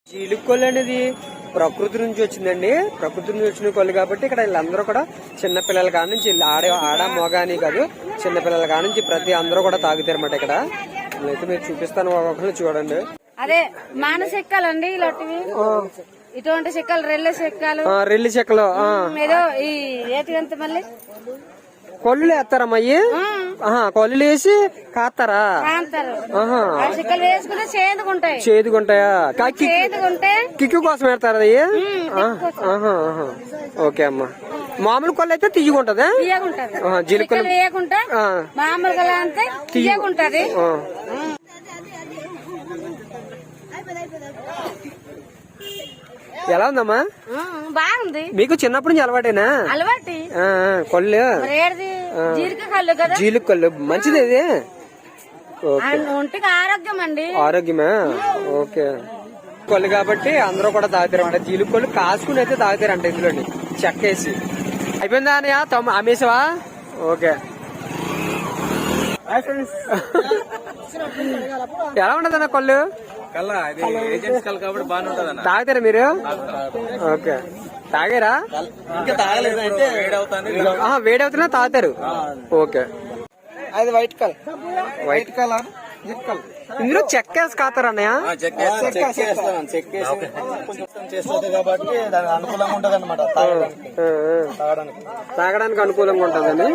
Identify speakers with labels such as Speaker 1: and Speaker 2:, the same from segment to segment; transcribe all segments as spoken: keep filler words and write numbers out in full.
Speaker 1: జీలుకొల్లు అనేది ప్రకృతి నుంచి వచ్చిందండి. ప్రకృతి నుంచి వచ్చిన కొల్లు కాబట్టి ఇక్కడ వీళ్ళందరూ కూడా చిన్న పిల్లల కాడ నుంచి ఆడ ఆడ మోగ అని కాదు, చిన్న పిల్లల కాడ నుంచి ప్రతి అందరూ కూడా తాగుతారు అన్నమాట. ఇక్కడ అయితే మీరు చూపిస్తాను, ఒక్కొక్కరు చూడండి.
Speaker 2: అదే మాన చెక్కలండి ఇలాంటివి, ఇటువంటి చెక్కలు రెల్లి చెక్కలు,
Speaker 1: రెల్లి చెక్కలు
Speaker 2: ఏదో ఈ ఏటి మళ్ళీ
Speaker 1: కొల్లు వేస్తారమ్మా. అయ్యి కొల్లు వేసి కాస్తారా?
Speaker 2: చెక్కలు వేసుకుంటే చేదుకుంటాయి.
Speaker 1: చేదుకుంటాయా?
Speaker 2: చేదుకుంటే
Speaker 1: కిక్కు కోసం వేస్తారా అయ్యి? ఓకే అమ్మా. మామూలు కొల్లు అయితే తీయకుంటదా? జీలకర్ర
Speaker 2: వేయకుండా మామూలుగా అంతే తీయకుంటది.
Speaker 1: ఎలా ఉందమ్మా?
Speaker 2: బాగుంది.
Speaker 1: మీకు చిన్నప్పటి నుంచి అలవాటేనా?
Speaker 2: అలవాటి
Speaker 1: కొల్లు జీలుక కొల్లు మంచిది. ఇది
Speaker 2: ఒంటికి ఆరోగ్యం అండి.
Speaker 1: ఆరోగ్యమా? ఓకే. కొల్లు కాబట్టి అందరూ కూడా తాగుతారు అంట. జీలుక కొల్లు కాసుకుని అయితే తాగుతారంట ఇందులోని చెక్కేసి. అయిపోయిందా అన్నయ్య? తొమ్మిది అమ్మేసావా? ఓకే. ఎలా ఉంటదన్న కొల్లు? తాగుతారా మీరు? ఓకే. తాగారా? వేడవుతున్నా తాగుతారు. ఓకే. అది వైట్ కలర్, వైట్ కలర్ ఇందులో చెక్కేసి కాతారు అన్నయ్య?
Speaker 3: కాబట్టి అనుకూలంగా ఉంటది అనమాట,
Speaker 1: తాగడానికి అనుకూలంగా ఉంటదని.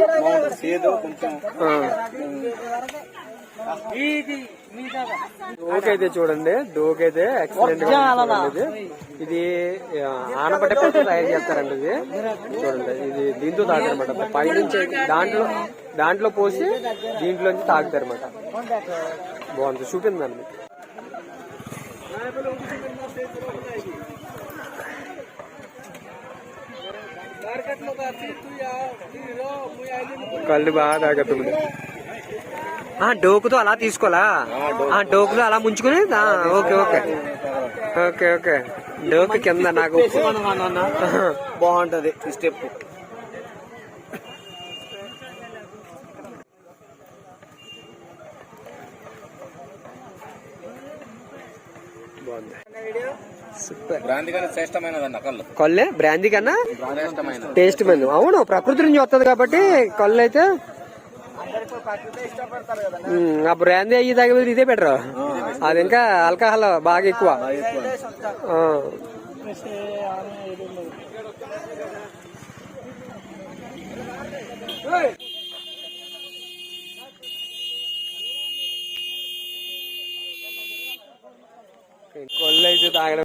Speaker 1: డోక్ అయితే చూడండి, డోక్ అయితే ఎక్సలెంట్ గా ఉంది. ఇది ఆనపట్టెతో తయారు చేస్తారండి. ఇది చూడండి, ఇది దీంతో తాగుతారనమాట. పైనుంచి దాంట్లో దాంట్లో పోసి దీంట్లోంచి తాగుతారనమాట. బాగుంది, చూపిందండి మీకు. కళ్ళు బాగా తాగుతుంది. డోకుతో అలా తీసుకోవాలా? డోకులో అలా ముంచుకుని. Okay okay okay okay. డోకు కింద నాకు
Speaker 3: బాగుంటది స్టెప్.
Speaker 1: కొల్లే బ్రాందీ కన్నా టేస్ట్ మైంది. అవును, ప్రకృతి నుంచి వస్తుంది కాబట్టి కొల్లు అయితే. ఆ బ్రాందీ అయ్యి తాగే ఇదే బెటర్. అది ఇంకా ఆల్కహాల్ బాగా ఎక్కువ. కొల్లు అయితే తాగడం